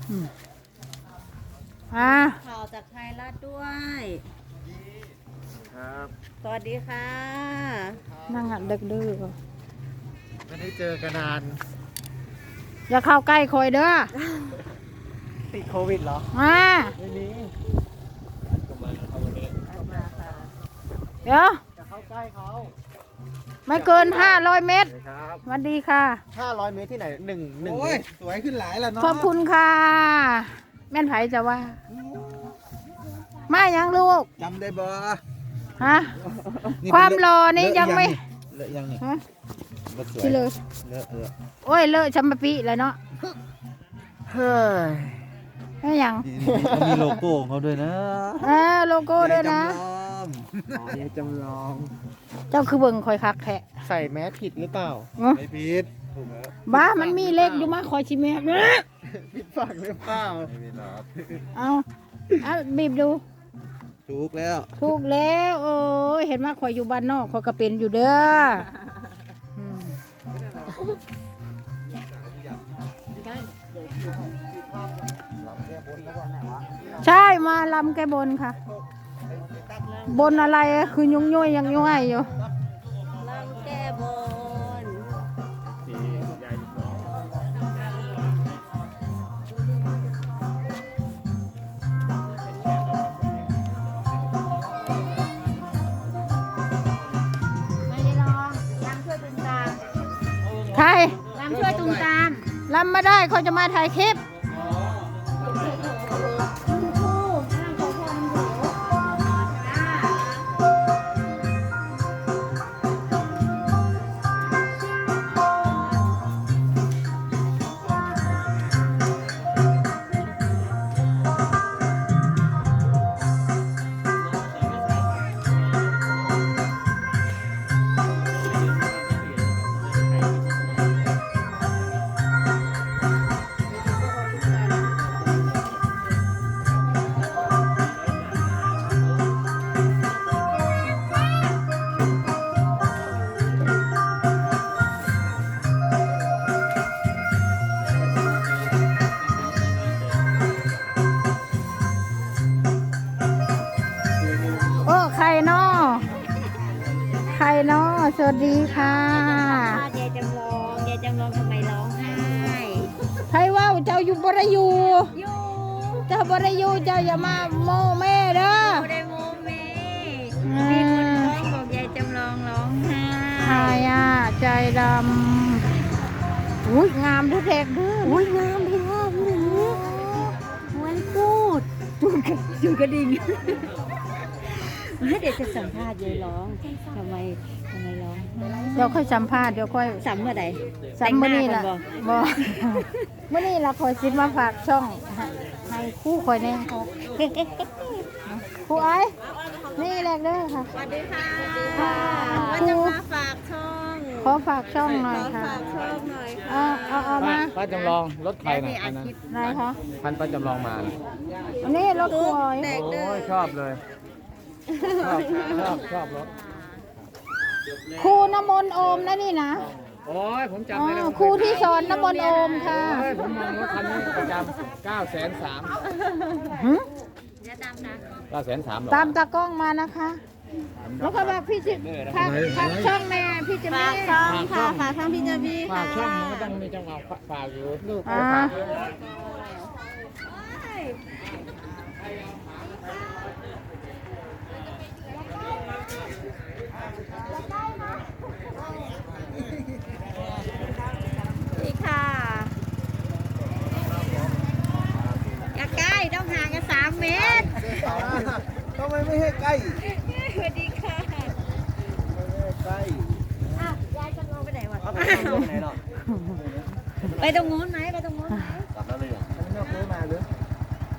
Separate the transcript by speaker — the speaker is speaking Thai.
Speaker 1: ข่าวจากไทยรัฐด้วย
Speaker 2: ครับ
Speaker 1: สวัสดีค่ะ
Speaker 3: นั่งหัดเด็กดื้อ
Speaker 2: ไม่ได้เจอกันนาน
Speaker 3: อย่าเข้าใกล้คอยเด้อ
Speaker 2: ติดโควิดเหรอ
Speaker 3: มา
Speaker 2: ไม่มี
Speaker 3: เดี๋ยว
Speaker 2: จะเข้าใกล้เขา
Speaker 3: ไม่เกิน500 เมตร
Speaker 2: ครับ
Speaker 3: สวัสดีค่ะ
Speaker 2: 500 เมตรที่ไหนหนึ่งโอ้ยสวยขึ้นหลายแล้วเนาะ
Speaker 3: ขอบคุณค่ะ แม่นไผจะว่า มายังลูก
Speaker 2: จำได้บ่
Speaker 3: ฮะ ความรอนี่ยังไม่
Speaker 2: เลอะยังนี่
Speaker 3: ฮะ
Speaker 2: บ่สวย
Speaker 3: ที่เลย
Speaker 2: เลอะเออ
Speaker 3: โอ้ยเลอะชัมปะปีแล้วเนาะ
Speaker 2: เฮ้ย
Speaker 3: ไม่ยัง
Speaker 2: เขามีโลโก้ของเขาด้วยนะ
Speaker 3: โลโก้ด้วยนะ
Speaker 2: ยายจำลอง
Speaker 3: เจ้าคือเบิ่งคอยคักแทะ
Speaker 2: ใส่แมสผิดหรือเปล่า
Speaker 3: เนอะ
Speaker 2: ไม่ผิดถูกแล้ว
Speaker 3: บ้ามันมีเลขอยู่มาคอยชิแมกเนี่ย
Speaker 2: ผิดฝั่งหรือเปล่าไม่ผิดหรอก
Speaker 3: เอาบีบดู
Speaker 2: ถูกแล้ว
Speaker 3: ถูกแล้วโอ้ยเห็นว่าคอยอยู่บ้านนอกคอยก็เป็นอยู่เด้ออืมใช่มาลำแกบนค่ะ บนอะไรคือยุ่งยุ่ยยังยุ่ยอยู่
Speaker 1: ลำแก้บน
Speaker 3: ไม่ได้ลองลำช่วยตุนตามใครลำช่วยตุนตามลำมาได้เขาจะมาถ่ายคลิปโอ้ใครนอใครนอสวัสดีค่ะ
Speaker 1: ยายจำลองยายจำลองทำไมร้องไห้
Speaker 3: ใครว่าเจ้าอยู่บริยู
Speaker 1: อยู่
Speaker 3: เจ้าบริยูเจ้าอย่ามาโมแม่เด้อ
Speaker 1: โมเดโมเมมีคนร้องบอกยายจำลองร้องไห้
Speaker 3: หายอ่ะใจดำอุ้ยงามทุกเด็กเด้ออุ้ยงามดีงามดี
Speaker 1: เหมือนพูดจูกระดิ่งให้เด็กจะสัมภาษณ์ยายร้องทำไมร้องไห้
Speaker 3: เดี๋ยวค่อยสัมภาษณ์เดี๋ยวค่อย
Speaker 1: สัมเมื่อใด
Speaker 3: สัมมื้อนี้ล่ะ
Speaker 1: แต่งหาก่อ
Speaker 3: บ่มื้อนี้ล่ะคอยสิมาฝากช่องให้คู่คอยแน่ครูไอ้นี่แหละเด้อค่ะ
Speaker 1: สวัสดีค่ะ
Speaker 3: ค่ะ
Speaker 1: ว่าจะมาฝากช่อง
Speaker 3: ขอฝากช่องหน่อยค่ะ
Speaker 1: ฝากช่องหน่อยค่ะ
Speaker 3: เอามา
Speaker 4: ป้าจำลองรถใครน่ะ
Speaker 1: มีอา
Speaker 4: อันนั้น
Speaker 1: ชีพ
Speaker 3: ไหนคะ
Speaker 4: พันป้าจำลองมาน่ะ
Speaker 3: อันนี้รถครูอ้อย
Speaker 1: เด็ก
Speaker 4: โอ้
Speaker 1: เด้อย
Speaker 4: ชอบเลย ชอบรถ
Speaker 3: ครูน้ำมนต์โอมนะนี่นะ
Speaker 4: โอ้ยผม
Speaker 3: อ๋
Speaker 4: จำได้แล้ว
Speaker 3: อครูที่สอนน้ำมนต์โอมค่ะ
Speaker 4: โอ้ยผมมองรถคันนี้ประจำ930,000
Speaker 3: หึ
Speaker 1: จะตามนะ
Speaker 4: 930,000หรอ
Speaker 3: ตามตากล้องมานะคะ แล้วก็บอกพี่จิฝากช่องแม่พี่จะ
Speaker 1: ฝา
Speaker 3: มี
Speaker 1: กช่องค่ะฝากช่องพี่เจมี่
Speaker 4: ฝา
Speaker 1: ค่ะ
Speaker 4: กช่องมันก็ต้องมีจังหวะฝากอยู่ลูก
Speaker 3: อ่า
Speaker 4: ฝากอยู่
Speaker 1: นี่ค่ะอย่าใกล้ต้องห่างกัน3 เมตร
Speaker 2: ทำไมไม่ให้ใกล้
Speaker 1: สวัสดีค่ะ
Speaker 2: ใกล้
Speaker 1: อ้าวยายจะลงไปไหนวะ
Speaker 2: เอาไปไหนหรอ
Speaker 1: ไปตรงนู้นไหมไปตรงนู้นไหม